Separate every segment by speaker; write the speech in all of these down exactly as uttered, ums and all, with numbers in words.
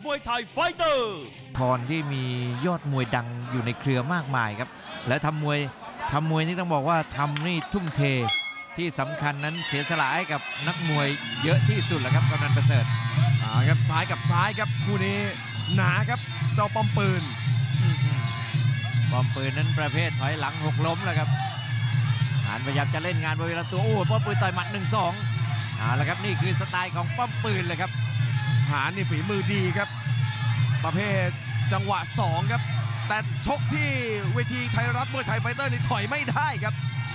Speaker 1: มวยไทยไฟเตอร์
Speaker 2: พรที่มียอดมวยดังอยู่ในเครือมากมายครับและทำมวยทำมวยนี่ต้องบอกว่าทำนี่ทุ่มเทที่สำคัญนั้นเสียสละให้กับนักมวยเยอะที่สุดแหละครับกำนันประเสริฐ
Speaker 3: อ่าครับซ้ายกับซ้ายครับคู่นี้หนาครับเจ้าป้อมปืน
Speaker 2: ป้อมปืนนั้นประเภทถอยหลังหกล้มแล้วครับหานพยายามจะเล่นงานบริเวณลำตัวโอ้ป้อมปืนต่อยหมัด หนึ่งสอง เอาละครับนี่คือสไตล์ของป้อมปืนเลยครับ
Speaker 3: หานนี่ฝีมือดีครับประเภทจังหวะสองครับแต่ชกที่เวทีไทยรัฐมวยไทยไฟเตอร์นี่ถอยไม่ได้ครับ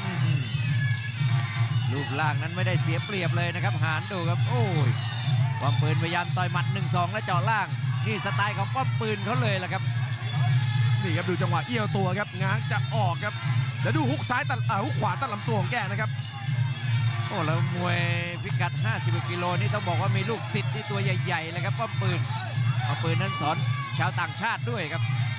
Speaker 2: ลูกล่างนั้นไม่ได้เสียเปรียบเลยนะครับหานดูครับโอ้ยป้อมปืนพยายามต่อยหมัด หนึ่งสอง และเจาะล่างนี่สไตล์ของป้อมปืนเขาเลยล่ะครับ
Speaker 3: นี่ครับดูจังหวะเอี้ยวตัวครับง้างจะออกครับแล้วดูฮุกซ้ายตัดอ่าฮุกขวาตัดลำตัวของแกนะครับ
Speaker 2: โอ้แล้วมวยพิกัดห้าสิบกิโลนี่ต้องบอกว่ามีลูกศิษย์ที่ตัวใหญ่ๆเลยครับป้อมปืนป้อมปืนนั้นสอนชาวต่างชาติด้วยครับ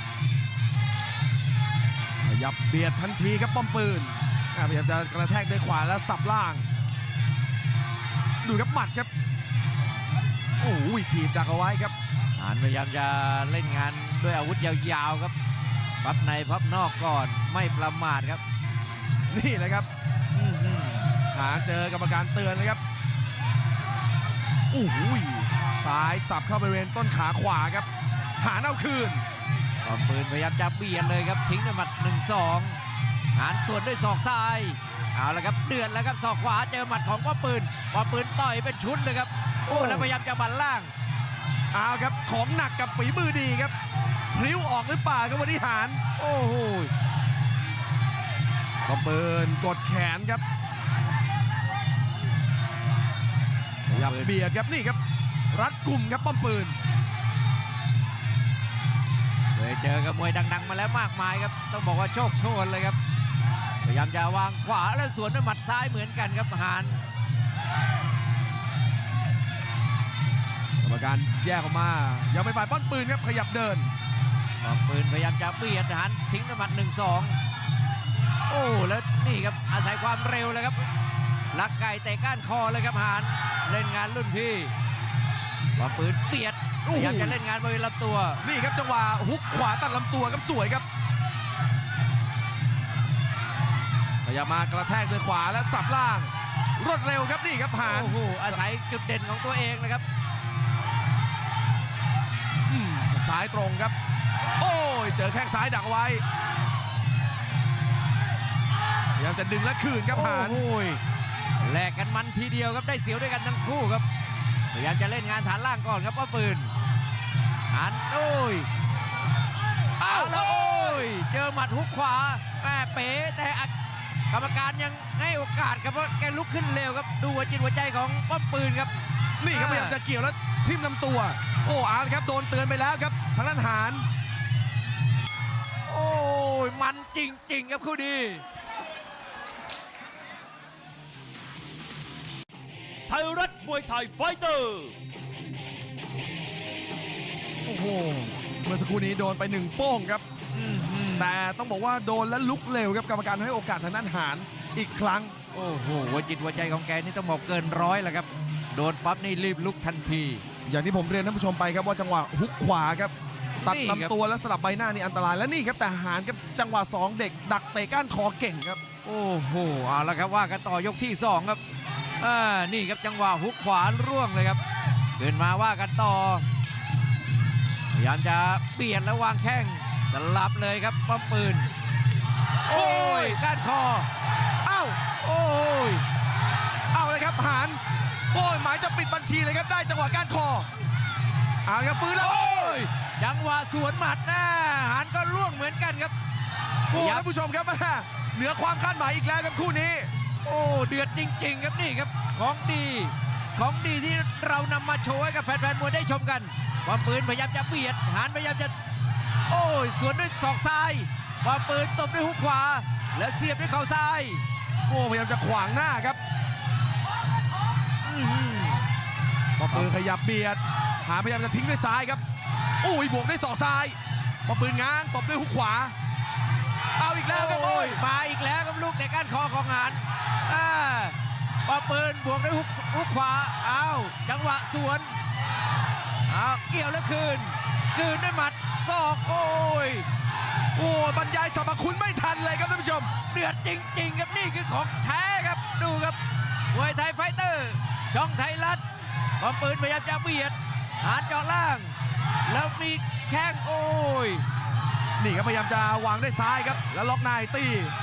Speaker 3: ขยับเบียดทันทีครับป้อมปืนพยายามจะกระแทกด้วยขวาแล้วสับล่างดูครับหมัดครับโอ้ยถีบดักเอาไว้ครับ
Speaker 2: หานพยายามจะเล่นงานด้วยอาวุธยาวๆครับพับในพับนอกก่อนไม่ประมาทครับ
Speaker 3: นี่แหละครับหาเจอกรรมการเตือนนะครับโอ้โหซ้ายสับเข้าบริเวณต้นขาขวาครับหาเอาคืน
Speaker 2: ป้อมปืนพยายามจะเบียดเลยครับทิ้งด้วยหมัด หนึ่งสอง หานสวนด้วยศอกซ้ายเอาละครับเดือดแล้วครับศอกขวาเจอหมัดของป้อมปืนป้อมปืนต่อยเป็นชุดเลยครับโอ้แล้วพยายามจะบันล่าง
Speaker 3: เอาครับของหนักกับฝีมือดีครับพลิ้วออกหรือเปล่าครับวันนี้หาน
Speaker 2: โอ้โห
Speaker 3: ป้อมปืนกดแขนครับยับเบียดครับนี่ครับรัดกลุ่มครับป้อมปืน
Speaker 2: เคยเจอกับมวยดังๆมาแล้วมากมายครับต้องบอกว่าโชคโชนเลยครับพยายามจะวางขวาแล้วสวนด้วยหมัดซ้ายเหมือนกันครับหาน
Speaker 3: กรรมการแยกออกมายังไม่ฝ่ายป้อมปืนครับขยับเดิน
Speaker 2: ป้อมปืนพยายามจะเบียดหานทิ้งด้วยหมัด หนึ่งสอง โอ้แล้วนี่ครับอาศัยความเร็วเลยครับลักไก่เตะก้านคอเลยครับหานเล่นงานรุ่นพี่ป้อมปืนเบียดพยายามจะเล่นงานบริเวณลำตัว
Speaker 3: นี่ครับจังหวะฮุกขวาตัดลำตัวครับสวยครับพยายามมากระแทกด้วยขวาและสับล่างรวดเร็วครับนี่ครับหาน
Speaker 2: โอ้โหอาศัยจุดเด่นของตัวเองนะครับ
Speaker 3: ซ้ายตรงครับโอ้ยเจอแข้งซ้ายดักไว้พยายามจะดึงและคืนครับหาน
Speaker 2: โอ้ยแลกกันมันทีเดียวครับได้เสียวด้วยกันทั้งคู่ครับพยายามจะเล่นงานฐานล่างก่อนครับป้อมปืนหานโอ้ยเอาแล้วโอ้ยเจอหมัดฮุกขวาแม่เป๋แต่กรรมการยังให้โอกาสครับเพราะแกลุกขึ้นเร็วครับดูหัวจิตหัวใจของป้อมปืนครับ
Speaker 3: นี่ครับพยายามจะเกี่ยวแล้วทิ่มลำตัวโอ้อาร์ครับโดนเตือนไปแล้วครับทางด้านหาน
Speaker 2: โอ้ยมันจริงๆครับคู่นี้
Speaker 1: ไทยรัฐมวยไทยไฟเตอร์
Speaker 3: โอ้โหเมื่อสักครู่นี้โดนไปหนึ่งโป้งครับแต่ต้องบอกว่าโดนและลุกเร็วครับกรรมการให้โอกาสทางด้านหานอีกครั้ง
Speaker 2: โอ้โหหัวจิตหัวใจของแกนี่ต้องบอกเกินร้อยแล้วครับโดนปั๊บนี่รีบลุกทันที
Speaker 3: อย่างที่ผมเรียนท่านผู้ชมไปครับว่าจังหวะฮุกขวาครับตัดลำตัวและสลับใบหน้านี่อันตรายและนี่ครับแต่หานครับจังหวะสองเด็กดักเตะก้านคอเก่งครับ
Speaker 2: โอ้โหเอาละครับว่ากันต่อยกที่สองครับอ่านี่ครับจังหวะฮุกขวาร่วงเลยครับเดินมาว่ากันต่อพยายามจะเปลี่ยนแล้ววางแข้งสลับเลยครับป้อมปืนโอ้ยก้านคอ
Speaker 3: เอ้า
Speaker 2: โอ้ย
Speaker 3: เอาเลยครับหานโอ้ยหมายจะปิดบัญชีเลยครับได้จังหวะก้านคอเอาครับฟื้นแล้วโอ้ย
Speaker 2: จังหวะสวนหมัดนะหานก็ร่วงเหมือนกันครับ
Speaker 3: โอ้ท่านผู้ชมครับเหนือความคาดหมายอีกแล้วครับคู่นี้
Speaker 2: โอ้เดือดจริงๆครับนี่ครับของดีของดีที่เรานำมาโชว์ให้กับแฟนๆมวยได้ชมกันป้อมปืนพยายามจะเบียดหานพยายามจะโอ้ยสวนด้วยศอกซ้ายป้อมปืนตบด้วยฮุกขวาและเสียบด้วยเข่าซ้าย
Speaker 3: โอ้พยายามจะขวางหน้าครับป้อมปืนขยับเบียดหานพยายามจะทิ้งด้วยซ้ายครับโอ้ยบวกด้วยศอกซ้ายป้อมปืนง้างตบด้วยฮุกขวาเอาอีกแล้วครับโอ้ย
Speaker 2: มาอีกแล้วครับลูกแต่ก้านคอของหานป้อมปืนบวกด้วยฮุกฮุกขวาเอาจังหวะสวนเอาเกี่ยวแล้วคืน คืนด้วยหมัดศอกโอ้ย
Speaker 3: โอ้บรรยายสรรพคุณไม่ทันเลยครับท่านผู้ชม
Speaker 2: เดือดจริงๆครับนี่คือของแท้ครับดูครับมวยไทยไฟเตอร์ช่องไทยรัฐป้อมปืนพยายามจะเบียดหานเจาะล่าง แล้วมีแข้งโอ้ย
Speaker 3: นี่ครับพยายามจะวางด้วยซ้ายครับแล้วล็อกในตี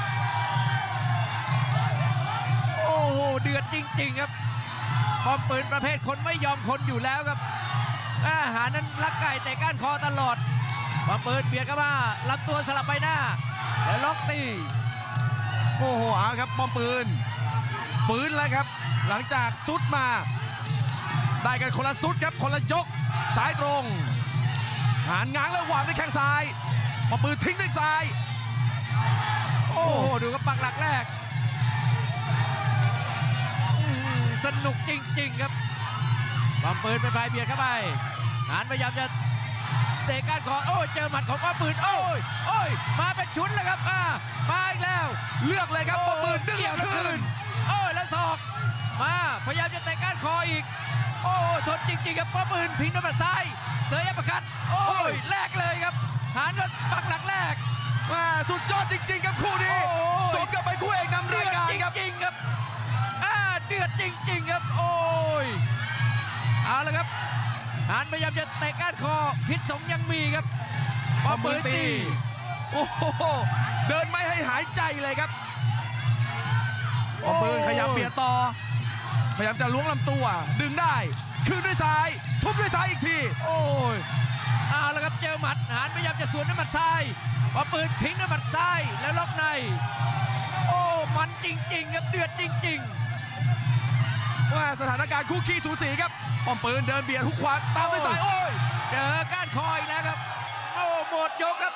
Speaker 2: โอ้โหเดือดจริงๆครับป้อมปืนประเภทคนไม่ยอมคนอยู่แล้วครับอาหารนั้นลักไก่แต่ก้านคอตลอดป้อมปืนเบียดเข้ามาลำตัวสลับไปหน้าแล้วล็อกตี
Speaker 3: โอ้โหเอาครับป้อมปืนฟื้นแล้วครับหลังจากซุดมาได้กันคนละซุดครับคนละยกซ้ายตรงหานง้างแล้ววางด้วยแข้งซ้ายป้อมปืนทิ้งด้วยซ้าย
Speaker 2: โอ้โหดูกับปักหลักแรกอื้อหือสนุกจริงๆครับป้อมปืนเป็นฝ่ายเบียดเข้าไปหานพยายามจะเตะก้านคอโอ้ยเจอหมัดของป้อมปืนโอ้ยโอ้ยมาเป็นชุดแล้วครับอ่ามาอีกแล้ว
Speaker 3: เลือกเลยครับป้อมปืนดึง
Speaker 2: เกี่ยวแล้ว
Speaker 3: คื
Speaker 2: คื
Speaker 3: น
Speaker 2: นโอ้ยแล้วศอกมาพยายามจะเตะก้านคออีกโอ้ทนจริงๆครับป้อมปืนพิงด้วยหมัดซ้ายเสยอัปเปอร์คัตโอ้ยแลกเลยครับหานโดนปักหลักแรก
Speaker 3: มาสุดยอดจริงๆครับคู่นี้
Speaker 2: โอ้ย
Speaker 3: สมกับเป็นคู่เอกนำ
Speaker 2: เดื
Speaker 3: ราย
Speaker 2: อด
Speaker 3: การ
Speaker 2: จ
Speaker 3: ครับ
Speaker 2: ริงๆครับอ่าเดือดจริงๆครับโอ้ยเอาละครับหานพยายามจะเตะก้านคอพิษสงยังมีครับป้อมปืนตี
Speaker 3: โอ้โหเดินไม่ให้หายใจเลยครับป้อมปืนขยับเบียดต่อพยายามจะล้วงลำตัวดึงได้คืนด้วยซ้ายทุบด้วยซ้ายอีกที
Speaker 2: โอ้ยเอาละครับเจอหมัดหานพยายามจะสวนด้วยหมัดซ้ายพอปืนทิ้งด้วยหมัดซ้ายแล้วล็อกในโอ้มันจริงๆครับเดือดจริงๆ
Speaker 3: ว่าสถานการณ์คู่ขี้สูสีครับป้อมปืนเดินเบียดหุกขวาตามด้วยซ้ายโอ้ย
Speaker 2: เจอก้านคออีกแล้วครับโอ้หมดยกครับ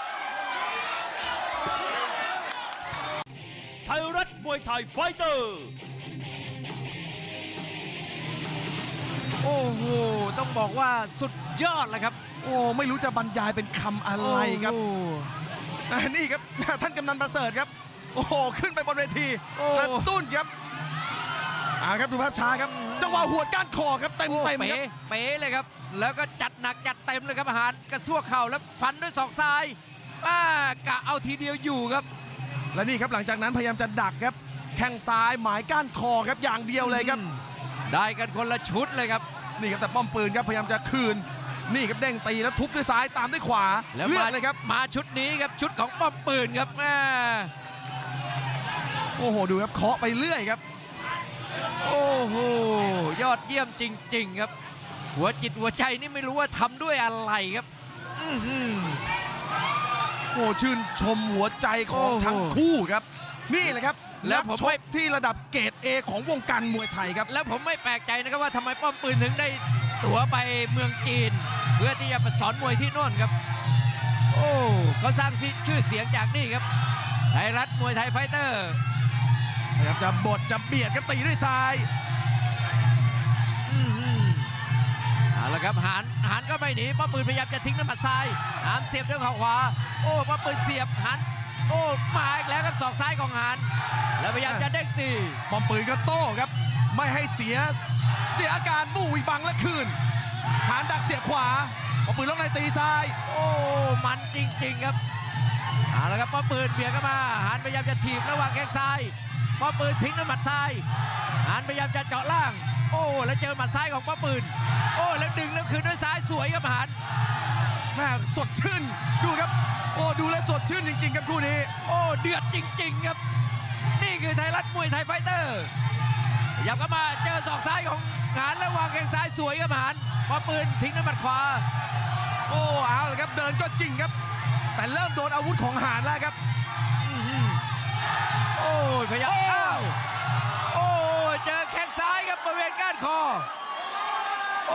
Speaker 1: ไทยรัฐมวยไทยไฟเตอร์
Speaker 2: โอ้โหต้องบอกว่าสุดยอดเลยครับ
Speaker 3: โอ้ไม่รู้จะบรรยายเป็นคำอะไรครับ
Speaker 2: โอ้โห
Speaker 3: อ่านี่ครับ ท่านกำนันประเสริฐครับโอ้โหขึ้นไปบนเวที
Speaker 2: โอ้
Speaker 3: กระตุ้นครับอ่าครับดูภาพช้าครับจังหวะหัวดก้านคอครับเต็ม
Speaker 2: โอ้
Speaker 3: เต็ม
Speaker 2: เป๋
Speaker 3: ครับ
Speaker 2: เป๋เลยครับ แล้วก็จัดหนักจัดเต็มเลยครับอาหารกระซวกเข่าแล้วฟันด้วยศอกซ้ายป้ากะเอาทีเดียวอยู่ครับ
Speaker 3: และนี่ครับหลังจากนั้นพยายามจะดักครับแข้งซ้ายหมายก้านคอครับอย่างเดียวเลยครับ
Speaker 2: ได้กันคนละชุดเลยครับ
Speaker 3: นี่ครับแต่ป้อมปืนครับพยายามจะคืนนี่ครับเด้งตีแล้วทุบด้วยซ้ายตามด้วยขวา
Speaker 2: แล้ว
Speaker 3: เลือ
Speaker 2: มา
Speaker 3: กเลยครับ
Speaker 2: มาชุดนี้ครับชุดของป้อมปืนครับแม่
Speaker 3: โอ้โหดูครับเคาะไปเรื่อยครับ
Speaker 2: โอ้โหยอดเยี่ยมจริง ๆ ครับ หัวจิตหัวใจนี่ไม่รู้ว่าทำด้วยอะไรครับอื้อหือ
Speaker 3: โอ้ชื่นชมหัวใจของ
Speaker 2: โอ้โห
Speaker 3: ทั้งคู่ครับ นี่แหละครับ
Speaker 2: แล้วผม
Speaker 3: นักช
Speaker 2: ไม่
Speaker 3: กที่ระดับเกรด เอ ของวงการมวยไทยครับ
Speaker 2: แล้วผมไม่แปลกใจนะครับว่าทำไมป้อมปืนถึงได้ตั๋วไปเมืองจีน เพื่อที่จะไปสอนมวยที่โน่นครับ โอ้เขาสร้างชื่อเสียงจากนี่ครับไทยรัฐมวยไทยไฟเตอร์
Speaker 3: พยายามจะบดจะเบียดครับตีด้วยซ้าย
Speaker 2: อื้อหือเอาละครับหานหานก็ไม่หนีป้อมปืนพยายามจะทิ้งน้ำหมัดซ้ายหานเสียบด้วยเข่าขวาโอ้ป้อมปืนเสียบหานโอ้มาอีกแล้วครับศอกซ้ายของหานแล้วพยายามจะเด้งตี
Speaker 3: ป้อมปืนก็โต้ครับ ไม่ให้เสียเสียอาการบู้อีบังและคืนหานดักเสียบขวาป้อมปืนล็อกในตีซ้าย
Speaker 2: โอ้มันจริงๆครับเอาละครับป้อมปืนเบียดเข้ามาหานพยายามจะถีบระหว่างแข้งซ้ายป้อมปืนทิ้งด้วยหมัดซ้ายหานพยายามจะเจาะล่าง โอ้แล้วเจอหมัดซ้ายของป้อมปืนโอ้แล้วดึงแล้วคืนด้วยซ้ายสวยครับหาน
Speaker 3: แม่สดชื่นดูครับโอ้ดูแลวสดชื่นจริงๆครับคู่นี้
Speaker 2: โอ้เดือดจริงๆครับนี่คือไทยรัฐมวยไทยไฟเตอร์พยายามเข้ามาเจอศอกซ้ายของหานแล้ววางแข้งซ้ายสวยครับหานป้อมปืนทิ้งด้วยหมัดขวา
Speaker 3: โอ้เอาเลยครับเดินก็จริงครับ แต่เริ่มโดนอาวุธของหานแล้วครับ
Speaker 2: โอ้ยพยายาม
Speaker 3: โอ้
Speaker 2: อ้าวโอ้ยเจอแข้งซ้ายครับบริเวณก้านคอโอ้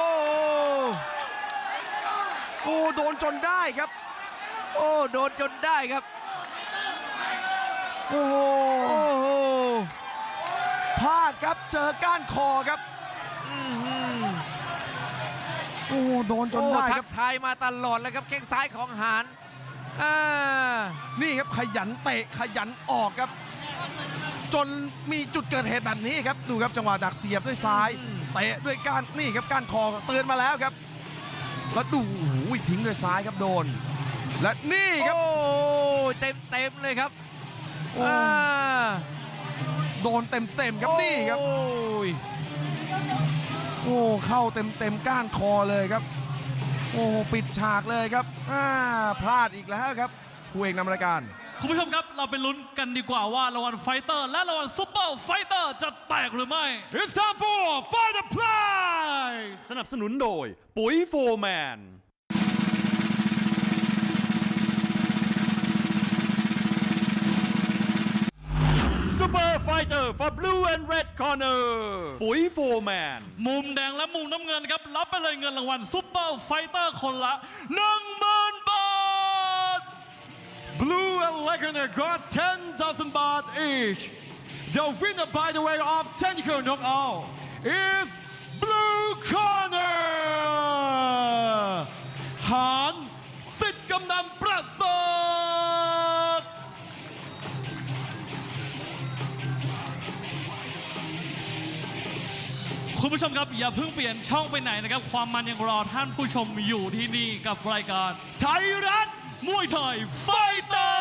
Speaker 3: โอ้โดนจนได้ครับ
Speaker 2: โอ้โดนจนได้ครับ
Speaker 3: โอ้โห
Speaker 2: โอ้โห
Speaker 3: พลาดครับเจอก้านคอครับ
Speaker 2: อื้อหือ
Speaker 3: โอ้โหโดนจน
Speaker 2: โอ้
Speaker 3: ได้ค
Speaker 2: ทั
Speaker 3: รับ
Speaker 2: กทายมาตลอดเลยครับแข้งซ้ายของหานอ่า
Speaker 3: นี่ครับขยันเตะขยันออกครับ จนมีจุดเกิดเหตุแบบนี้ครับดูครับจังหวะดักเสียบด้วยซ้ายเตะด้วยก้านนี่ครับก้านคอเตือนมาแล้วครับแล้วดูโอ้โหทิ้งด้วยซ้ายครับโดน และนี่ครับ
Speaker 2: โอ้เต็มเต็มๆเลยครับ
Speaker 3: โอ้
Speaker 2: อ่า
Speaker 3: โดนเต็มเต็มๆครับนี่ครับ
Speaker 2: โอ้ย
Speaker 3: โอ้เข้าเต็มเต็มๆก้านคอเลยครับ โอ้ปิดฉากเลยครับอ่าพลาดอีกแล้วครับคู่เอกนำรายการ
Speaker 1: คุณผู้ชมครับเราไปลุ้นกันดีกว่าว่ารางวัลไฟเตอร์และรางวัลซุปเปอร์ไฟเตอร์จะแตกหรือไม่
Speaker 4: It's time for Fight the Prize
Speaker 1: สนับสนุนโดยปุ๋ยโฟร์แมน Super Fighter for Blue and Red Corner ปุ๋ยโฟร์แมน มุมแดงและมุมน้ำเงินครับรับไปเลยเงินรางวัลซุปเปอร์ไฟเตอร์คนละ หนึ่งหมื่น บาท
Speaker 4: Blue and Legender got ten thousand baht each. The winner by the way of technical knockout is Blue Corner หานสิทธิ์กำนันประเสริฐ
Speaker 1: คุณผู้ชมครับอย่าเพิ่งเปลี่ยนช่องไปไหนนะครับความมันยังรอท่านผู้ชมอยู่ที่นี่กับรายการ
Speaker 4: ไทยรัฐ
Speaker 1: มวยไทยไฟเตอร์